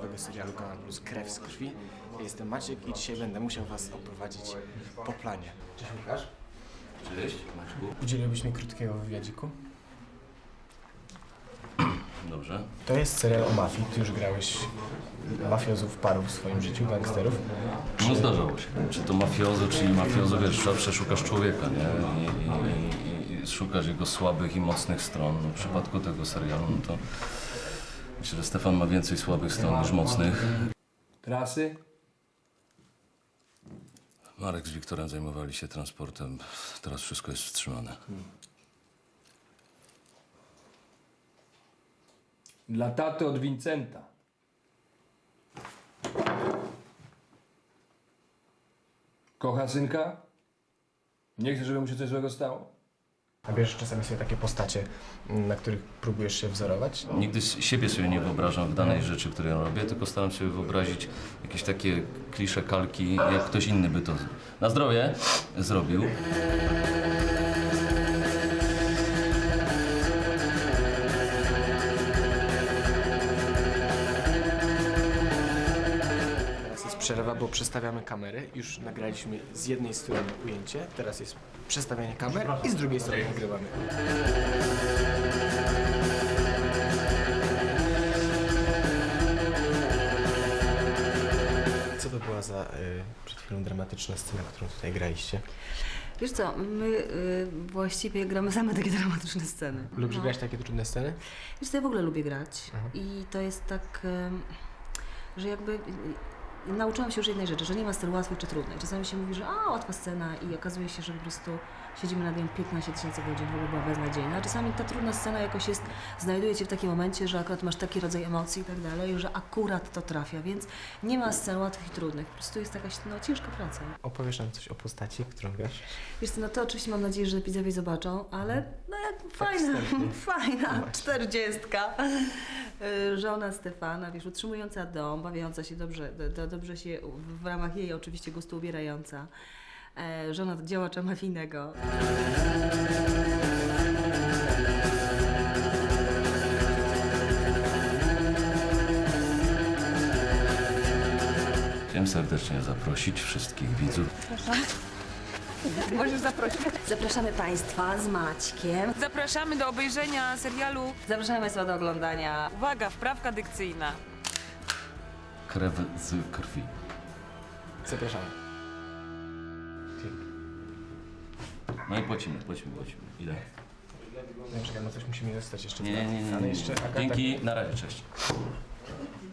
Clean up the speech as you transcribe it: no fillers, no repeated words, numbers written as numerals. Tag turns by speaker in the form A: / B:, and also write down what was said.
A: nowego serialu Kanal Plus Krew z krwi. Ja jestem Maciek i dzisiaj będę musiał was oprowadzić po planie. Cześć Łukasz.
B: Cześć, Maćku.
A: Udzieliłbyś mi krótkiego wywiadziku?
B: Dobrze.
A: To jest serial o mafii. Ty już grałeś mafiozów paru w swoim życiu, gangsterów.
B: No zdarzało się. Czy to mafiozo, czy nie mafiozo, wiesz, zawsze szukasz człowieka, nie? I szukasz jego słabych i mocnych stron. No, w przypadku tego serialu, no to myślę, że Stefan ma więcej słabych stron niż mocnych.
C: Trasy?
B: Marek z Wiktorem zajmowali się transportem. Teraz wszystko jest wstrzymane.
C: Dla taty od Vincenta. Kocha synka? Nie chce, żeby mu się coś złego stało?
A: A bierzesz czasami sobie takie postacie, na których próbujesz się wzorować?
B: Nigdy siebie sobie nie wyobrażam w danej rzeczy, którą robię, tylko staram się wyobrazić jakieś takie klisze, kalki, jak ktoś inny by to na zdrowie zrobił.
A: Teraz jest przerwa, bo przestawiamy kamery. Już nagraliśmy z jednej strony ujęcie, teraz jest przestawianie kamer i z drugiej strony nagrywamy. Co to była za przed chwilą dramatyczna scena, którą tutaj graliście?
D: Wiesz co, my właściwie gramy same takie dramatyczne sceny.
A: Lubisz
D: No.
A: grać takie trudne sceny?
D: Wiesz co, ja w ogóle lubię grać i to jest tak, że jakby nauczyłam się już jednej rzeczy, że nie ma scen łatwych czy trudnych. Czasami się mówi, że łatwa scena i okazuje się, że po prostu siedzimy nad nią 15 000 godzin, w ogóle była beznadziejna. A czasami ta trudna scena jakoś jest, znajduje cię w takim momencie, że akurat masz taki rodzaj emocji i tak dalej, że akurat to trafia, więc nie ma scen łatwych i trudnych. Po prostu jest jakaś ciężka praca.
A: Opowiesz nam coś o postaci, którą grasz?
D: Wiesz co, no to oczywiście mam nadzieję, że widzowie zobaczą, ale no jak fajna, fajna 40. Żona Stefana, wiesz, utrzymująca dom, bawiąca się dobrze, dobrze się w ramach jej oczywiście gustu ubierająca. Żona działacza mafijnego.
B: Chciałem serdecznie zaprosić wszystkich widzów.
E: Możesz zaprosić.
D: Zapraszamy Państwa z Maćkiem.
E: Zapraszamy do obejrzenia serialu.
D: Zapraszamy Państwa do oglądania.
E: Uwaga, wprawka dykcyjna.
B: Krew z krwi.
A: Zapraszamy.
B: No i płacimy. Ile?
A: Nie, czekaj, no coś musimy dostać jeszcze.
B: Nie.
A: Ale jeszcze Agata...
B: Dzięki, na razie, cześć.